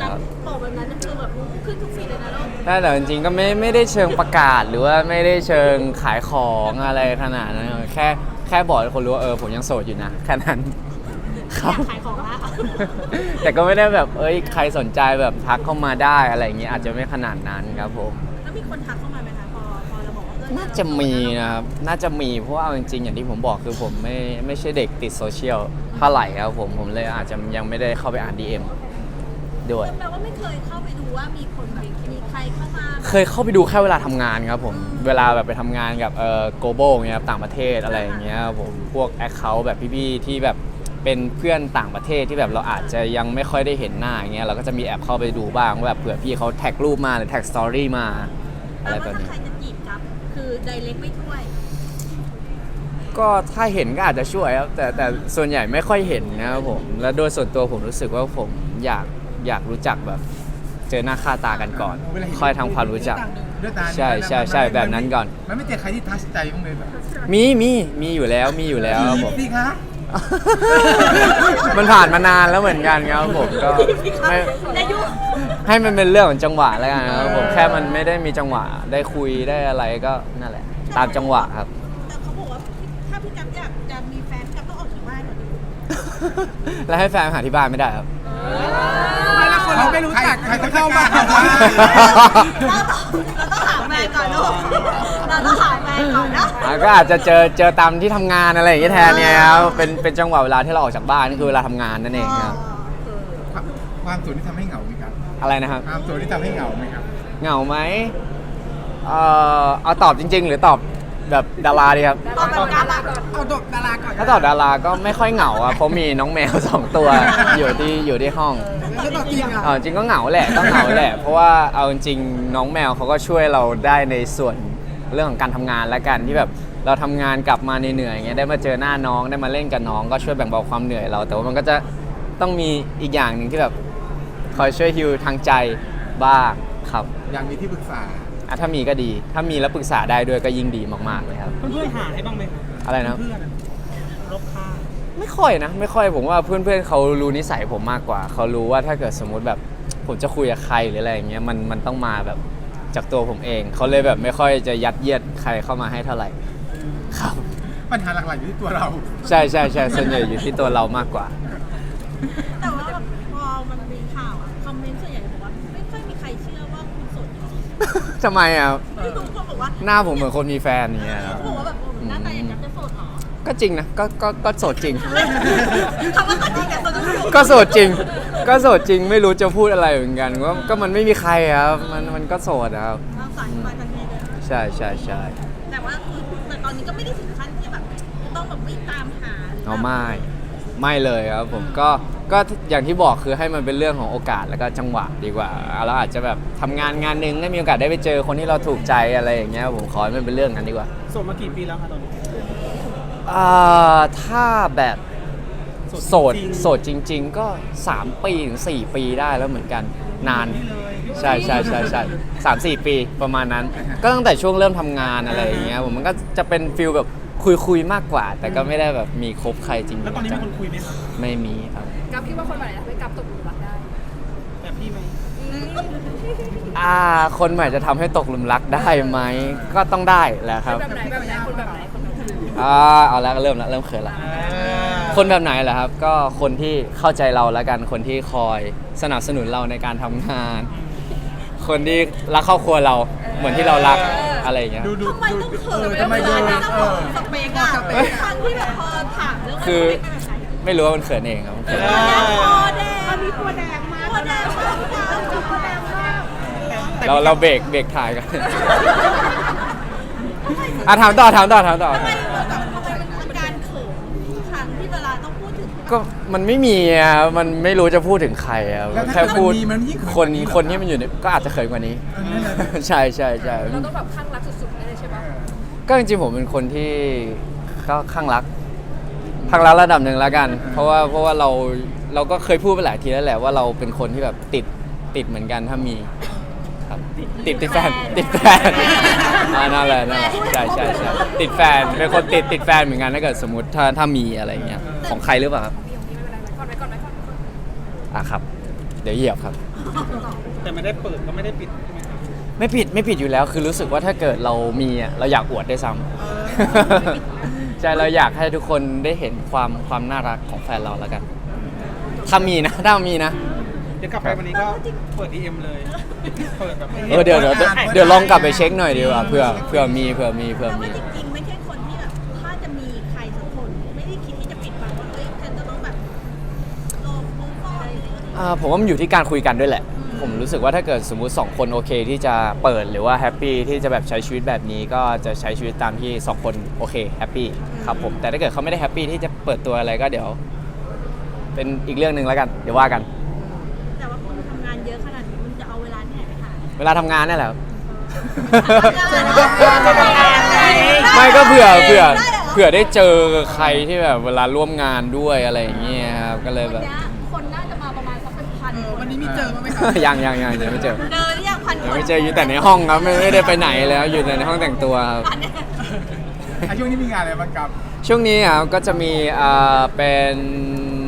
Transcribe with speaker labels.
Speaker 1: บอกแบบนั้นคือแบบขึ้นทุกฟีดเลยนะลูก
Speaker 2: แต่จริงๆก็ไม่ได้เชิงประกาศหรือว่าไม่ได้เชิงขายของอะไรขนาดนั้นแค่บอกให้คนรู้ว่าผมยังโสดอยู่นะแค่นั้นครับ
Speaker 1: ขายของละ
Speaker 2: แต่ก็ไม่ได้แบบใครสนใจแบบทักเข้ามาได้อะไรอย่างเงี้ยอาจจะไม่ขนาดนั้นครับผม
Speaker 1: แล้วมีคนทักเข้ามาไหมคะพอเราบอกว่า
Speaker 2: น่าจะมีนะครับน่าจะมีเพราะว่าจริงๆอย่างที่ผมบอกคือผมไม่ใช่เด็กติดโซเชียลเท่าไหร่ครับผมเลยอาจจะยังไม่ได้เข้าไปอ่าน DM ด้วย
Speaker 1: แปลว่าไม่เคยเข้าไปดูว่ามีคนแบบมีใครเข้ามา
Speaker 2: เคยเข้าไปดูแค่เวลาทำงานครับผมเวลาแบบไปทำงานกับglobal เงี้ยครับต่างประเทศอะไรอย่างเงี้ยครับผมพวก account แบบพี่ๆที่แบบเป็นเพื่อนต่างประเทศที่แบบเราอาจจะยังไม่ค่อยได้เห็นหน้าอย่างเงี้ยเราก็จะมีแอบเข้าไปดูบ้างว่าแบบเผื่อพี่เขาแท็กรูปมาหรือแท็กสตอรี่มาอะไรแบบนี้
Speaker 1: ถ้าใครจะจีบกับคือไดเรกไม่ช่วย
Speaker 2: ก็ถ้าเห็นก็อาจจะช่วยครับแต่ส่วนใหญ่ไม่ค่อยเห็นนะครับผมและโดยส่วนตัวผมรู้สึกว่าผมอยากรู้จักแบบเจอหน้าค่าตากันก่อนค่อยทำความรู้จักใช่แบบนั้นก่อน
Speaker 3: มันไม่เจอใครที่ทัชใจบ้างเลยแบบ
Speaker 2: มีอยู่แล้วครับผม
Speaker 3: สิคะ
Speaker 2: มันผ่านมานานแล้วเหมือนกันครับผมก็ไม่ให้มันเป็นเรื่องของจังหวะแล้วกันครับผมแค่มันไม่ได้มีจังหวะได้คุยได้อะไรก็นั่นแหละตามจังหวะครับ
Speaker 1: แต่เขาบอกว่าถ้าพี่กั๊บอยากจะมีแฟนกั๊บต้องออกจากบ้านก่อน
Speaker 2: แล้วให้แฟนหาที่บ้านไม่ได้ครับ
Speaker 3: ไม่ละคนเราไม่รู้จักใครจะเข้ามา
Speaker 1: เราต้องหาแฟนก่อนลูกเราต้องหาแฟนก่อนนะ
Speaker 2: ก็อาจจะเจอตามที่ทำงานอะไรอย่างเงี้ยแทนเนี่ยครับเป็นจังหวะเวลาที่เราออกจากบ้านนี่คือเวลาทำงานนั่นเองครับ
Speaker 3: ความโสดที่ทำให้เหงาไหมครับ
Speaker 2: อะไรนะครับ
Speaker 3: ความโสดที่ทำให้เหงาไหมครับ
Speaker 2: เหงาไหมเอาตอบจริงๆหรือตอบแบบดาราดีครับ
Speaker 1: ตอบแบบดาราก่อน
Speaker 3: เอาดาราก่อน
Speaker 2: ถ้าตอบดาราก็ไม่ค่อยเหงาอ่ะเพราะมีน้องแมว2 ตัวอยู่ที่ห้อง
Speaker 3: แล้วตอบจริงอ่ะ
Speaker 2: จริงก็เหงาแหละต้องเหงาแหละเพราะว่าเอาจริงน้องแมวเขาก็ช่วยเราได้ในส่วนเรื่องของการทำงานและกันที่แบบเราทำงานกลับมาเหนื่อยๆอย่างเงี้ยได้มาเจอหน้าน้องได้มาเล่นกับน้องก็ช่วยแบ่งเบาความเหนื่อยเราแต่ว่ามันก็จะต้องมีอีกอย่างหนึ่งที่แบบคอยช่วยฮีลทางใจบ้างครับ
Speaker 3: อย่างมีที่ปรึกษา
Speaker 2: ถ้ามีก็ดีถ้ามีแล้วปรึกษาได้ด้วยก็ยิ่งดีมากๆเลยครับ
Speaker 4: เพื่อนๆหาให้บ้างไหม
Speaker 2: อะไรนะ
Speaker 4: เพื่อนรบค่า
Speaker 2: ไม่ค่อยผมว่าเพื่อนเขารู้นิสัยผมมากกว่าเขารู้ว่าถ้าเกิดสมมุติแบบผมจะคุยกับใครหรืออะไรอย่างเงี้ยมันต้องมาแบบจากตัวผมเองเขาเลยแบบไม่ค่อยจะยัดเยียดใครเข้ามาให้เท่าไหร่ครับ
Speaker 3: ปัญหาหลักๆอยู่ที่ตัวเรา
Speaker 2: ใช่ส่วนใหญ่อยู่ที่ตัวเรามากกว่า
Speaker 1: แต่ว่าพอมันมีข่าวคอมเมนต์ส่วนใหญ่บอกว่าไม่ค่อยมีใครเชื่อว่าคุณโสดจริง
Speaker 2: ทำไมอ่ะ
Speaker 1: ๆทุกคนบอกว่า
Speaker 2: หน้าผมเหมือนคนมีแฟนอย่างเงี้ย
Speaker 1: เขาบอกว่าแบบหน้าตาอย่างนั้นจะโสดหรอ
Speaker 2: ก็จริงนะก็โสดจริง
Speaker 1: คำว่าก็จริงแต่ตัวต้องอยู่
Speaker 2: ก็โสดจริงไม่รู้จะพูดอะไรเหมือนกันก็มันไม่มีใครครับมันก็โสดครับ
Speaker 1: สายมาทันทีเลย
Speaker 2: ใช่
Speaker 1: แต่ว่าแต่ตอนนี้ก็ไม่ได้ถึงขั้นที่แบบต้องแบบวิ่งตามหา
Speaker 2: ไม่เลยครับผมก็อย่างที่บอกคือให้มันเป็นเรื่องของโอกาสแล้วก็จังหวะดีกว่าเราอาจจะแบบทำงานหนึ่งได้มีโอกาสได้ไปเจอคนที่เราถูกใจอะไรอย่างเงี้ยผมขอให้มันเป็นเรื่องนั้นดีกว่า
Speaker 4: โสดมากี่ปีแล้วคะตอนนี้
Speaker 2: ถ้าแบบโสดจริงๆก็3 ปีถึง4 ปีได้แล้วเหมือนกันนานใช่3-4 ปีประมาณนั้นก็ตั้งแต่ช่วงเริ่มทำงานอะไรอย่างเงี้ยผมมันก็จะเป็นฟิลแบบคุยมากกว่าแต่ก็ไม่ได้แบบมีคบใครจริง
Speaker 4: แล้วตอนนี้มีคนคุยไหมครับ
Speaker 2: ไม่มีครับ
Speaker 1: กับคิดว่าคนใหม่ทำให้กับตกหลุมรักได้
Speaker 4: แบบพี่ไหม
Speaker 2: คนใหม่จะทำให้ตกหลุมรักได้ไหมก็ต้องได้แหละครับ
Speaker 1: แบบไหนคนแบบไหน
Speaker 2: เอาแล้วเริ่มเขินละคนแบบไหนเหรอครับก็คนที่เข้าใจเราแล้วกันคนที่คอยสนับสนุนเราในการทำงานคนที่รักครอบครัวเราเหมือนที่เรารักอะไรอย่างเงี้ย
Speaker 1: ทำไมต้องเขินทำไมต้องสเปกอะครั้งที่แบบพอถามเรื่อง
Speaker 2: คือไม่รู้ว่ามันเขินเองครับ
Speaker 1: คอแดงมีคอแดงมากคอแดงมาก
Speaker 2: เราเบรกถ่ายกันถามต่อ
Speaker 1: ทำไมการเขินครั้งที่เวลาต้องพูดถึง
Speaker 2: ก็มันไม่มีอ่ะมันไม่รู้จะพูดถึงใครอ่ะแค่พูดคนที่มันอยู่เนี่ยก็อาจจะเขินกว่านี้ใช่
Speaker 1: เราต้องแบบข้างรักสุดๆเลยใช่ปะ
Speaker 2: ก็จริงๆผมเป็นคนที่ก็ข้างรักระดับหนึ่งแล้วกันเพราะว่าเราก็เคยพูดไปหลายทีแล้วแหละว่าเราเป็นคนที่แบบติดเหมือนกันถ้ามีครับติดแฟนนั่นแหละใช่ติดแฟนเป็นคนติดแฟนเหมือนกันถ้าเกิดสมมติถ้ามีอะไรเงี้ยของใครหรือเปล่าครับครับเดี๋ยวเหยียบครับ
Speaker 4: แต่ไม่ได้เปิดก็ไม่ได้ปิดใช่ไหมครับ
Speaker 2: ไม่ผิดอยู่แล้วคือรู้สึกว่าถ้าเกิดเรามีอ่ะเราอยากอวดได้วยซ้ำ ใช่เราอยากให้ทุกคนได้เห็นความน่ารักของแฟนเราแล้วกัน ถ้ามีนะ
Speaker 4: เดี๋ยวกลับไปวันนี้ก็เปิด DM เลย เปิดแบบให้ห็น
Speaker 2: เดี๋ยวลองกลับไปเช็คหน่อยดีกว่าเผื่อมี
Speaker 1: แต่ว่าจริงๆไม่ใช่คนที่แบบถ้าจะมีใครสักคนไม่ได้คิดที่จะปิดบังว่าเฮ้ยฉันจะต้องแบบลงมือก่อนอะไรอย่างเงี้ย
Speaker 2: ผมว่ามันอยู่ที่การคุยกันด้วยแหละ ผมรู้สึกว่าถ้าเกิดสมมุติ2คนโอเคที่จะเปิดหรือว่าแฮปปี้ที่จะแบบใช้ชีวิตแบบนี้ก็จะใช้ชีวิตตามที่2คนโอเคแฮปปี้ครับผมแต่ถ้าเกิดเขาไม่ได้แฮปปี้ที่จะเปิดตัวอะไรก็เดี๋ยว เป็นอีกเรื่องหนึ่งแล้วกันเดี๋ยวว่ากัน
Speaker 1: แต่ว่าคุณทำงานเยอะขนาดนี้คุณจะเอาเวลาที่ไหนไปหา
Speaker 2: เวลาทำงานนี่แหละครับ
Speaker 1: ไม่
Speaker 2: ไม่ก็เผื่อได้เจอใครที่แบบเวลาร่วมงานด้วยอะไรอย่างเงี้ยครับก็เลยแบบ
Speaker 1: คนน่าจะมาประมาณสักเป็นพัน
Speaker 3: วันนี้มีเจอมั้ยไหมครับ
Speaker 2: ยังไม่เจอ
Speaker 1: เดินยังพันค
Speaker 2: ยัง
Speaker 1: น
Speaker 2: ไม่เจออยู่แต่ในห้องครับไม่ได้ไปไหนแล้วอยู่แต่ในห้องแต่งตัวครับ
Speaker 3: ช่วงนี้มีงานอะไรบ้างครับ
Speaker 2: ช่วงนี้ครับก็จะมีเป็น